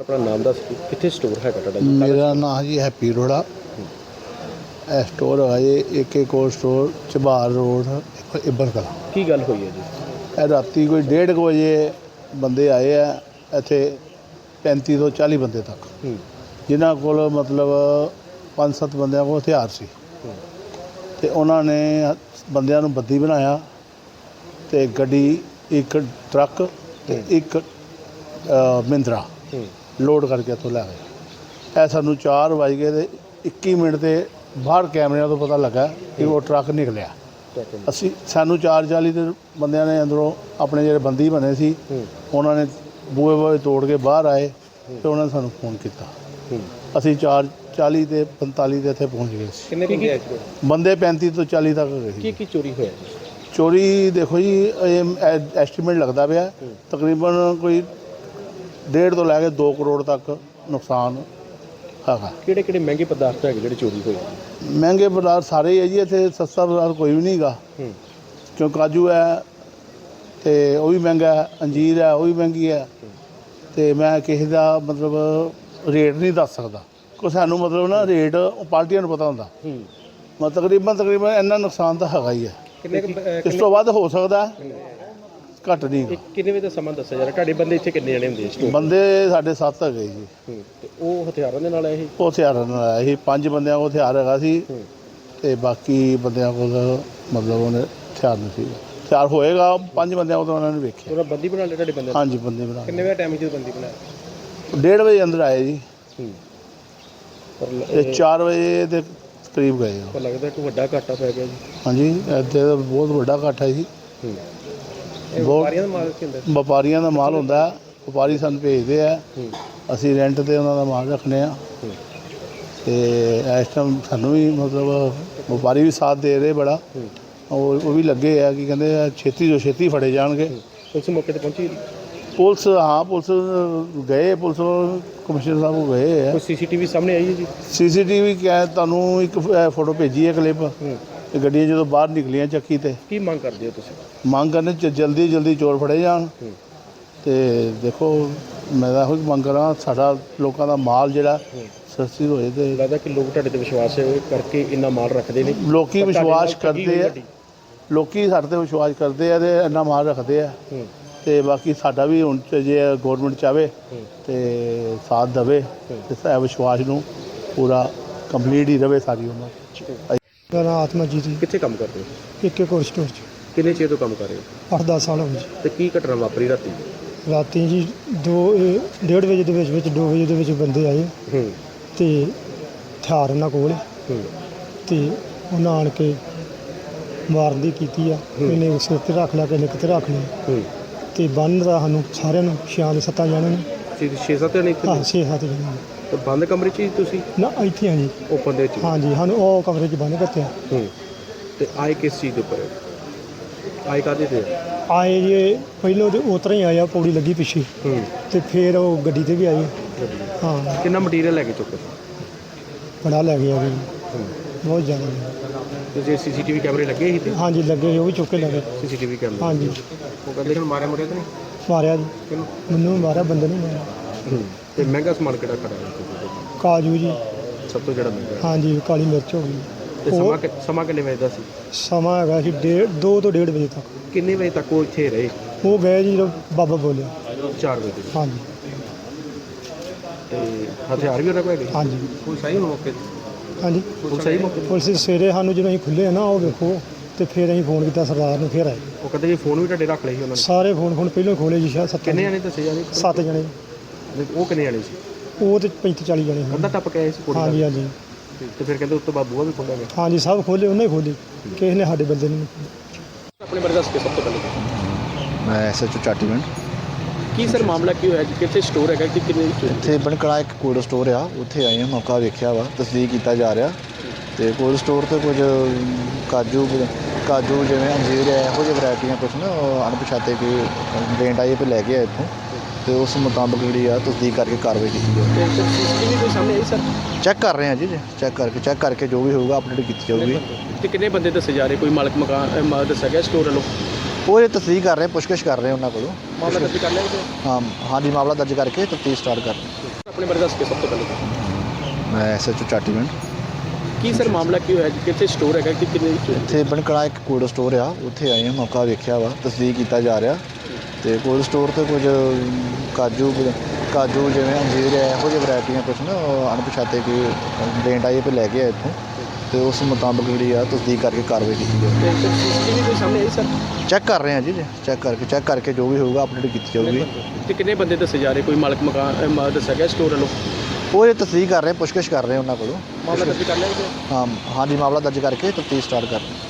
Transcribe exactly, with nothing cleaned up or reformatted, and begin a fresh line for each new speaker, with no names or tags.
अपना नाम दस कितने स्टोर है ਤੁਹਾਡਾ?
मेरा नाम जी हैप्पी रोड़ा। ਇਹ ਸਟੋਰ ਹੈ ਜੀ AK cold store Chabbar road ਇੱਬਰ ਕਲਾਂ।
ਕੀ ਗੱਲ ਹੋਈ ਹੈ ਜੀ?
ਇਹ ਰਾਤੀ ਕੋਈ ਡੇਢ ਕੁ ਵਜੇ ਬੰਦੇ ਆਏ ਆ ਇੱਥੇ ਪੈਂਤੀ ਤੋਂ ਚਾਲੀ ਬੰਦੇ ਤੱਕ, ਜਿਨ੍ਹਾਂ ਕੋਲ ਮਤਲਬ ਪੰਜ ਸੱਤ ਬੰਦਿਆਂ ਕੋਲ ਹਥਿਆਰ ਸੀ ਅਤੇ ਉਹਨਾਂ ਨੇ ਬੰਦਿਆਂ ਨੂੰ ਬੱਦੀ ਬਣਾਇਆ ਅਤੇ ਗੱਡੀ ਇੱਕ ਟਰੱਕ ਅਤੇ ਇੱਕ ਮਹਿੰਦਰਾ ਲੋਡ ਕਰਕੇ ਇੱਥੋਂ ਲੈ ਗਏ। ਇਹ ਸਾਨੂੰ ਚਾਰ ਵੱਜ ਗਏ ਅਤੇ ਇੱਕੀ ਮਿੰਟ 'ਤੇ ਬਾਹਰ ਕੈਮਰਿਆਂ ਤੋਂ ਪਤਾ ਲੱਗਾ ਕਿ ਉਹ ਟਰੱਕ ਨਿਕਲਿਆ। ਅਸੀਂ ਸਾਨੂੰ ਚਾਰ ਚਾਲੀ ਦੇ ਬੰਦਿਆਂ ਨੇ ਅੰਦਰੋਂ ਆਪਣੇ ਜਿਹੜੇ ਬੰਦੀ ਬਣੇ ਸੀ ਉਹਨਾਂ ਨੇ ਬੂਹੇ ਬੂਹੇ ਤੋੜ ਕੇ ਬਾਹਰ ਆਏ ਅਤੇ ਉਹਨਾਂ ਨੇ ਸਾਨੂੰ ਫੋਨ ਕੀਤਾ। ਅਸੀਂ ਚਾਰ ਚਾਲੀ ਅਤੇ ਪੰਤਾਲੀ ਦੇ ਇੱਥੇ ਪਹੁੰਚ ਗਏ ਸੀ।
ਕਿੰਨੇ ਬੰਦੇ ਆਏ?
ਬੰਦੇ ਪੈਂਤੀ ਤੋਂ ਚਾਲੀ ਤੱਕ ਗਏ ਸੀ।
ਕੀ ਕੀ ਚੋਰੀ ਹੋਇਆ?
ਚੋਰੀ ਦੇਖੋ ਜੀ, ਇਹ ਐਸਟੀਮੇਟ ਲੱਗਦਾ ਪਿਆ ਤਕਰੀਬਨ ਕੋਈ ਡੇਢ ਤੋਂ ਲੈ ਕੇ ਦੋ ਕਰੋੜ ਤੱਕ ਨੁਕਸਾਨ ਹੈਗਾ।
ਕਿਹੜੇ ਕਿਹੜੇ ਮਹਿੰਗੇ ਪਦਾਰਥ ਹੈਗੇ ਜਿਹੜੇ ਚੋਰੀ ਹੋਏ?
ਮਹਿੰਗੇ ਪਦਾਰਥ ਸਾਰੇ ਹੀ ਹੈ ਜੀ, ਇੱਥੇ ਸਸਤਾ ਪਦਾਰਥ ਕੋਈ ਵੀ ਨਹੀਂ ਹੈਗਾ। ਕਿਉਂ ਕਾਜੂ ਹੈ ਅਤੇ ਉਹ ਵੀ ਮਹਿੰਗਾ ਹੈ, ਅੰਜੀਰ ਹੈ ਉਹ ਵੀ ਮਹਿੰਗੀ ਹੈ, ਅਤੇ ਮੈਂ ਕਿਸੇ ਦਾ ਮਤਲਬ ਰੇਟ ਨਹੀਂ ਦੱਸ ਸਕਦਾ ਕਿਉਂਕਿ ਸਾਨੂੰ ਮਤਲਬ ਨਾ ਰੇਟ ਉਹ ਪਾਰਟੀਆਂ ਨੂੰ ਪਤਾ ਹੁੰਦਾ। ਮੈਂ ਤਕਰੀਬਨ ਤਕਰੀਬਨ ਇੰਨਾ ਨੁਕਸਾਨ ਤਾਂ ਹੈਗਾ ਹੀ ਹੈ। ਇਸ ਤੋਂ ਵੱਧ ਹੋ ਸਕਦਾ, ਘੱਟ ਨਹੀਂ।
ਕਿੰਨੇ ਵਜੇ ਦਾ ਸਮਾਂ ਦੱਸਿਆ ਜਾ ਰਿਹਾ? ਤੁਹਾਡੇ ਬੰਦੇ ਇੱਥੇ ਕਿੰਨੇ ਜਣੇ ਹੁੰਦੇ?
ਬੰਦੇ ਸਾਡੇ ਸੱਤ ਹੈਗੇ ਜੀ।
ਤੇ ਉਹ ਹਥਿਆਰਾਂ ਦੇ ਨਾਲ ਆਏ ਸੀ? ਉਹ
ਹਥਿਆਰਾਂ ਨਾਲ ਆਇਆ ਸੀ। ਪੰਜ ਬੰਦਿਆਂ ਕੋਲ ਹਥਿਆਰ ਹੈਗਾ ਸੀ ਅਤੇ ਬਾਕੀ ਬੰਦਿਆਂ ਕੋਲ ਮਤਲਬ ਉਹਨੇ ਹਥਿਆਰ ਨਹੀਂ ਸੀ। ਹਥਿਆਰ ਹੋਏਗਾ ਪੰਜ ਬੰਦਿਆਂ ਕੋਲ, ਉਹਨਾਂ ਨੇ ਵੇਖਿਆ।
ਉਹਨਾਂ ਬੰਦੀ ਬਣਾ ਲਿਆ ਤੁਹਾਡੇ ਬੰਦੇ?
ਹਾਂਜੀ ਬੰਦੀ ਬਣਾ।
ਕਿੰਨੇ ਵਜੇ ਟਾਈਮ ਜਦੋਂ ਬੰਦੀ ਬਣਾਇਆ?
ਡੇਢ ਵਜੇ ਅੰਦਰ ਆਏ ਜੀ ਅਤੇ ਚਾਰ ਵਜੇ ਦੇ ਕਰੀਬ ਗਏ।
ਉਹ ਲੱਗਦਾ ਕਿ ਵੱਡਾ ਘਾਟਾ ਪੈ ਗਿਆ ਜੀ।
ਹਾਂਜੀ ਇੱਥੇ ਤਾਂ ਬਹੁਤ ਵੱਡਾ ਇਕੱਠ ਹੈ ਜੀ।
ਵਪਾਰੀਆਂ ਦਾ ਮਾਲ ਕੀ ਹੁੰਦਾ?
ਵਪਾਰੀਆਂ ਦਾ ਮਾਲ ਹੁੰਦਾ, ਵਪਾਰੀ ਸਾਨੂੰ ਭੇਜਦੇ ਆ, ਅਸੀਂ ਰੈਂਟ 'ਤੇ ਉਹਨਾਂ ਦਾ ਮਾਲ ਰੱਖਦੇ ਹਾਂ ਅਤੇ ਇਸ ਟਾਈਮ ਸਾਨੂੰ ਵੀ ਮਤਲਬ ਵਪਾਰੀ ਵੀ ਸਾਥ ਦੇ ਰਹੇ ਬੜਾ। ਉਹ ਉਹ ਵੀ ਲੱਗੇ ਆ ਕਿ ਕਹਿੰਦੇ ਛੇਤੀ ਤੋਂ ਛੇਤੀ ਫੜੇ ਜਾਣਗੇ।
ਪੁਲਿਸ ਮੌਕੇ 'ਤੇ ਪਹੁੰਚੀ?
ਪੁਲਿਸ ਹਾਂ ਪੁਲਿਸ ਗਏ, ਪੁਲਿਸ ਕਮਿਸ਼ਨਰ ਸਾਹਿਬ ਕੋਲ ਗਏ ਆ।
ਕੋਈ ਸੀ ਸੀ ਟੀ ਵੀ ਸਾਹਮਣੇ ਆਈ ਹੈ ਜੀ?
ਸੀ ਸੀ ਟੀ ਵੀ ਕਿਹਾ ਤੁਹਾਨੂੰ ਇੱਕ ਫੋਟੋ ਭੇਜੀ ਹੈ ਕਲਿੱਪ, ਅਤੇ ਗੱਡੀਆਂ ਜਦੋਂ ਬਾਹਰ ਨਿਕਲੀਆਂ ਚੱਕੀ 'ਤੇ।
ਕੀ ਮੰਗ ਕਰਦੇ ਹੋ ਤੁਸੀਂ?
ਮੰਗ ਕਰਨੇ ਚ ਜਲਦੀ ਜਲਦੀ ਚੋਰ ਫੜੇ ਜਾਣ ਅਤੇ ਦੇਖੋ ਮੈਂ ਤਾਂ ਇਹੋ ਹੀ ਮੰਗ ਕਰਾਂ ਸਾਡਾ ਲੋਕਾਂ ਦਾ ਮਾਲ ਜਿਹੜਾ ਸਸਤੀ ਹੋਏ। ਅਤੇ
ਲੱਗਦਾ ਕਿ ਲੋਕ ਤੁਹਾਡੇ 'ਤੇ ਵਿਸ਼ਵਾਸ ਕਰਕੇ ਇੰਨਾ ਮਾਲ ਰੱਖਦੇ ਨੇ।
ਲੋਕ ਵਿਸ਼ਵਾਸ ਕਰਦੇ ਆ, ਲੋਕ ਸਾਡੇ 'ਤੇ ਵਿਸ਼ਵਾਸ ਕਰਦੇ ਆ ਅਤੇ ਇੰਨਾ ਮਾਲ ਰੱਖਦੇ ਆ। ਅਤੇ ਬਾਕੀ ਸਾਡਾ ਵੀ ਹੁਣ ਜੇ ਗੌਰਮੈਂਟ ਚਾਹਵੇ ਅਤੇ ਸਾਥ ਦੇਵੇ ਅਤੇ ਵਿਸ਼ਵਾਸ ਨੂੰ ਪੂਰਾ ਕੰਪਲੀਟ ਹੀ ਰਹੇ ਸਾਰੀ ਉਮਰ।
ਮੇਰਾ ਨਾਮ ਆਤਮਾਜੀਤ ਜੀ।
ਕਿੱਥੇ ਕੰਮ ਕਰਦੇ ਹੋ?
ਇੱਕ ਇੱਕ ਹੋਰ ਸਟੋਰ 'ਚ
ਕਿੰਨੇ ਚਿਰ ਤੋਂ ਕੰਮ ਕਰ ਰਹੇ ਹੋ?
ਅੱਠ ਦਸ ਸਾਲ ਹੋ ਗਏ ਜੀ।
ਅਤੇ ਕੀ ਘਟਨਾ ਵਾਪਰੀ ਰਾਤੀ?
ਰਾਤੀ ਜੀ ਦੋ ਇਹ ਡੇਢ ਵਜੇ ਦੇ ਵਿੱਚ ਵਿੱਚ ਦੋ ਵਜੇ ਦੇ ਵਿੱਚ ਬੰਦੇ ਆਏ ਅਤੇ ਹਥਿਆਰ ਉਹਨਾਂ ਕੋਲ ਅਤੇ ਉਹਨਾਂ ਆਣ ਕੇ ਮਾਰਨ ਦੀ ਕੀਤੀ ਆ। ਇਹਨੇ ਸਿਰ 'ਤੇ ਰੱਖ ਲਿਆ, ਕਿਸੇ ਨੇ ਕਿਤੇ ਰੱਖ ਲਿਆ ਅਤੇ ਬੰਨ੍ਹ ਦਾ ਸਾਨੂੰ ਸਾਰਿਆਂ ਨੂੰ ਛਿਆਂ ਦੇ ਸੱਤਾਂ ਜਾਣਿਆਂ ਨੂੰ।
ਛੇ ਸੱਤ ਜਣੇ ਇੱਥੇ?
ਹਾਂ ਛੇ ਸੱਤ ਜਾਣਿਆਂ ਨੂੰ।
ਤੇ ਬੰਦ ਕਮਰੇ 'ਚ ਹੀ ਤੁਸੀਂ?
ਨਾ ਇੱਥੇ ਆ ਜੀ
ਓਪਨ ਦੇ ਵਿੱਚ?
ਹਾਂਜੀ ਸਾਨੂੰ ਉਹ ਕਮਰੇ 'ਚ ਬੰਨ੍ਹ ਕੱਤਿਆ।
ਅਤੇ ਆਏ ਕਿਸ ਚੀਜ਼ ਦੇ ਉੱਪਰ? ਆਏ ਕਾਹਦੇ 'ਤੇ?
ਆਏ ਜੀ ਪਹਿਲਾਂ ਤਾਂ ਉਸ ਤਰ੍ਹਾਂ ਹੀ ਆਇਆ, ਪੌੜੀ ਲੱਗੀ ਪਿੱਛੇ ਅਤੇ ਫਿਰ ਉਹ ਗੱਡੀ 'ਤੇ ਵੀ ਆਏ। ਹਾਂ
ਕਿੰਨਾ ਮਟੀਰੀਅਲ ਲੈ ਕੇ ਚੁੱਕੇ?
ਬੜਾ ਲੈ ਗਿਆ ਜੀ, ਬਹੁਤ ਜ਼ਿਆਦਾ।
ਤੇ ਜੇ ਸੀ ਸੀ ਟੀ ਵੀ ਕੈਮਰੇ ਲੱਗੇ ਸੀ? ਤੇ
ਹਾਂਜੀ ਲੱਗੇ, ਉਹ ਵੀ ਚੁੱਕ ਕੇ ਲੈ ਗਏ।
ਸੀ ਸੀ ਟੀ ਵੀ ਕੈਮਰੇ?
ਹਾਂਜੀ।
ਉਹ ਕਹਿੰਦੇ ਕਿ ਮਾਰਿਆ ਮੁਰਿਆ ਤਾਂ ਨਹੀਂ?
ਮਾਰਿਆ ਜੀ,
ਕਿਹਨੂੰ?
ਮੈਨੂੰ ਮਾਰਿਆ, ਬੰਦੇ ਨੂੰ ਮਾਰਿਆ।
ਅਤੇ ਮਹਿੰਗਾ ਸਮਾਨ ਕਿਹੜਾ ਖੜਾ?
ਕਾਜੂ ਜੀ
ਸਭ ਤੋਂ ਜਿਹੜਾ ਮਹਿੰਗਾ?
ਹਾਂਜੀ, ਕਾਲੀ ਮਿਰਚ ਹੋ ਗਈ।
ਅਤੇ ਸਮਾਂ ਕਿ ਸਮਾਂ ਕਿੰਨੇ ਵਜੇ ਦਾ ਸੀ?
ਸਮਾਂ ਹੈਗਾ ਸੀ ਡੇਢ ਦੋ ਤੋਂ ਡੇਢ ਵਜੇ ਤੱਕ।
ਕਿੰਨੇ ਵਜੇ ਤੱਕ ਉਹ ਇੱਥੇ ਰਹੇ?
ਉਹ ਗਏ ਜੀ ਜਦੋਂ ਬਾਬਾ ਬੋਲਿਆ।
ਚਾਰ ਵਜੇ?
ਹਾਂਜੀ।
ਅਤੇ ਹਥਿਆਰ ਵੀ ਉਹਨਾਂ ਕੋਲ ਹੈਗੇ?
ਹਾਂਜੀ।
ਪੁਲਿਸ ਆਈ ਮੌਕੇ 'ਤੇ?
ਹਾਂਜੀ
ਪੁਲਿਸ ਆਈ ਮੌਕੇ 'ਤੇ?
ਪੁਲਿਸ ਸਵੇਰੇ ਸਾਨੂੰ ਜਦੋਂ ਅਸੀਂ ਖੁੱਲ੍ਹੇ ਆ ਨਾ ਉਹ ਵੇਖੋ, ਅਤੇ ਫਿਰ ਅਸੀਂ ਫੋਨ ਕੀਤਾ ਸਰਦਾਰ ਨੂੰ, ਫਿਰ ਆਏ।
ਉਹ ਕਹਿੰਦੇ ਜੀ ਫੋਨ ਵੀ ਤੁਹਾਡੇ ਰੱਖ ਲਏ ਸੀ ਉਹਨਾਂ ਨੇ? ਸਾਰੇ
ਫੋਨ ਫੋਨ ਪਹਿਲਾਂ ਖੋਲ੍ਹੇ ਜੀ ਸ਼ਾਇਦ ਸੱਤ।
ਕਿੰਨੇ ਜਣੇ ਦੱਸੇ ਜਾਣੇ?
ਸੱਤ ਜਣੇ।
ਉਹ ਕਿੰਨੇ ਜਣੇ ਸੀ?
ਉਹ ਤਾਂ ਪੈਂਤੀ ਚਾਲੀ ਜਣੇ ਸੀ।
ਅੱਧਾ ਟੱਪ ਕੇ ਆਏ ਸੀ ਕੁੜੀ?
ਹਾਂਜੀ ਹਾਂਜੀ।
ਅਤੇ ਫਿਰ ਕਹਿੰਦੇ ਉਸ ਤੋਂ ਬਾਅਦ ਬੂਹਾ ਵੀ ਖੋਲ੍ਹਿਆ ਗਿਆ?
ਹਾਂਜੀ ਸਭ ਖੋਲ੍ਹੇ, ਉਹਨੇ ਹੀ ਖੋਲ੍ਹੇ, ਕਿਸੇ ਨੇ ਸਾਡੇ ਬੰਦੇ ਨੂੰ।
ਆਪਣੇ ਬਾਰੇ ਦੱਸ ਕੇ ਸਭ ਤੋਂ ਪਹਿਲੇ।
ਮੈਂ ਐਸ ਐਚ ਓ ਚਾਟੀਵਿੰਡ।
ਕੀ ਸਰ ਮਾਮਲਾ ਕੀ ਹੋਇਆ ਜੀ? ਕਿੱਥੇ ਸਟੋਰ ਹੈਗਾ ਕਿ ਕਿੰਨੇ?
ਇੱਥੇ ਬਣਕੜਾ ਇੱਕ ਕੋਲਡ ਸਟੋਰ ਆ, ਉੱਥੇ ਆਏ ਹਾਂ, ਮੌਕਾ ਵੇਖਿਆ ਵਾ, ਤਸਦੀਕ ਕੀਤਾ ਜਾ ਰਿਹਾ। ਅਤੇ ਕੋਲਡ ਸਟੋਰ 'ਤੇ ਕੁਝ ਕਾਜੂ ਕਾਜੂ ਜਿਵੇਂ ਅੰਜੀਰ ਹੈ, ਇਹੋ ਜਿਹੀ ਵਰਾਇਟੀਆਂ ਕੁਛ ਨਾ ਅਣਪਛਾਤੇ ਕੋਈ ਕੰਪਲੇਂਟ ਆਈ, ਫਿਰ ਲੈ ਕੇ ਆਏ ਇੱਥੋਂ ਅਤੇ ਉਸ ਮੁਤਾਬਕ ਜਿਹੜੀ ਆ ਤਸਦੀਕ ਕਰਕੇ ਕਾਰਵਾਈ ਕੀਤੀ ਜਾਵੇ।
ਸੀ ਸੀ ਟੀ ਵੀ ਕੋਈ ਸਾਹਮਣੇ ਆਈ ਸਰ?
ਚੈੱਕ ਕਰ ਰਹੇ ਹਾਂ ਜੀ, ਚੈੱਕ ਕਰਕੇ ਚੈੱਕ ਕਰਕੇ ਜੋ ਵੀ ਹੋਊਗਾ ਅਪਡੇਟ ਕੀਤੀ ਜਾਊਗੀ।
ਅਤੇ ਕਿੰਨੇ ਬੰਦੇ ਦੱਸੇ ਜਾ ਰਹੇ? ਕੋਈ ਮਾਲਕ ਮਕਾਨ ਮਾਲਕ ਦੱਸਿਆ ਗਿਆ ਸਟੋਰ ਵੱਲੋਂ?
ਉਹ ਇਹ ਤਸਦੀਕ ਕਰ ਰਹੇ ਪੁੱਛਗਿੱਛ ਕਰ ਰਹੇ ਉਹਨਾਂ ਕੋਲੋਂ
ਮਾਮਲਾ ਦਰਜ ਕਰ ਲਿਆ ਜੀ
ਹਾਂ ਹਾਂਜੀ ਮਾਮਲਾ ਦਰਜ ਕਰਕੇ ਤਫਤੀਸ਼ ਸਟਾਰਟ ਕਰ ਰਹੇ।
ਆਪਣੇ ਬਾਰੇ ਦੱਸ ਕੇ ਸਭ ਤੋਂ ਪਹਿਲੇ
ਮੈਂ ਐਸਐਚਓ ਚਾਟੀਵਿੰਡ।
ਕੀ ਸਰ ਮਾਮਲਾ ਕੀ ਹੋਇਆ ਜੀ ਕਿੱਥੇ ਸਟੋਰ ਹੈਗਾ ਕਿ ਕਿੰਨੇ ਵਿੱਚ
ਇੱਥੇ ਬਣਕੜਾ ਇੱਕ ਕੋਲਡ ਸਟੋਰ ਆ, ਉੱਥੇ ਆਏ ਹਾਂ, ਮੌਕਾ ਵੇਖਿਆ ਵਾ, ਤਸਦੀਕ ਕੀਤਾ ਜਾ ਰਿਹਾ। ਤੇ ਕੋਲਡ ਸਟੋਰ ਤੇ ਕੁਝ ਕਾਜੂ ਕਾਜੂ ਜਿਵੇਂ ਅੰਜੀਰ ਹੈ, ਇਹੋ ਜਿਹੀ ਵੈਰਾਈਟੀਆਂ ਕੁਛ ਨਾ ਉਹ ਅਣਪਛਾਤੇ ਕੋਈ ਕੰਪਲੇਂਟ ਆਈ ਪੇ ਲੈ ਕੇ ਆਏ ਇੱਥੋਂ, ਤੇ ਉਸ ਮੁਤਾਬਕ ਜਿਹੜੀ ਆ ਤਸਦੀਕ ਕਰਕੇ ਕਾਰਵਾਈ ਕੀਤੀ ਜਾਵੇ।
ਸੀਸੀਟੀਵੀ ਕੋਈ ਸਾਹਮਣੇ ਆਈ ਸਰ
ਚੈੱਕ ਕਰ ਰਹੇ ਹਾਂ ਜੀ, ਚੈੱਕ ਕਰਕੇ ਚੈੱਕ ਕਰਕੇ ਜੋ ਵੀ ਹੋਊਗਾ ਅਪਡੇਟ ਕੀਤੀ ਜਾਊਗੀ।
ਤੇ ਕਿੰਨੇ ਬੰਦੇ ਦੱਸੇ ਜਾ ਰਹੇ ਕੋਈ ਮਾਲਕ ਮਕਾਨ ਅਹ, ਮਾ- ਦੱਸਿਆ ਗਿਆ ਸਟੋਰ ਵੱਲੋਂ
ਉਹ ਇਹ ਤਸਦੀਕ ਕਰ ਰਹੇ ਪੁੱਛਗਿੱਛ ਕਰ ਰਹੇ ਉਹਨਾਂ ਕੋਲੋਂ
ਮਾਮਲਾ ਦਰਜ ਕਰ ਲਿਆ ਜੀ
ਹਾਂ ਹਾਂਜੀ ਮਾਮਲਾ ਦਰਜ ਕਰਕੇ ਤਫਤੀਸ਼ ਸਟਾਰਟ ਕਰ ਰਹੇ।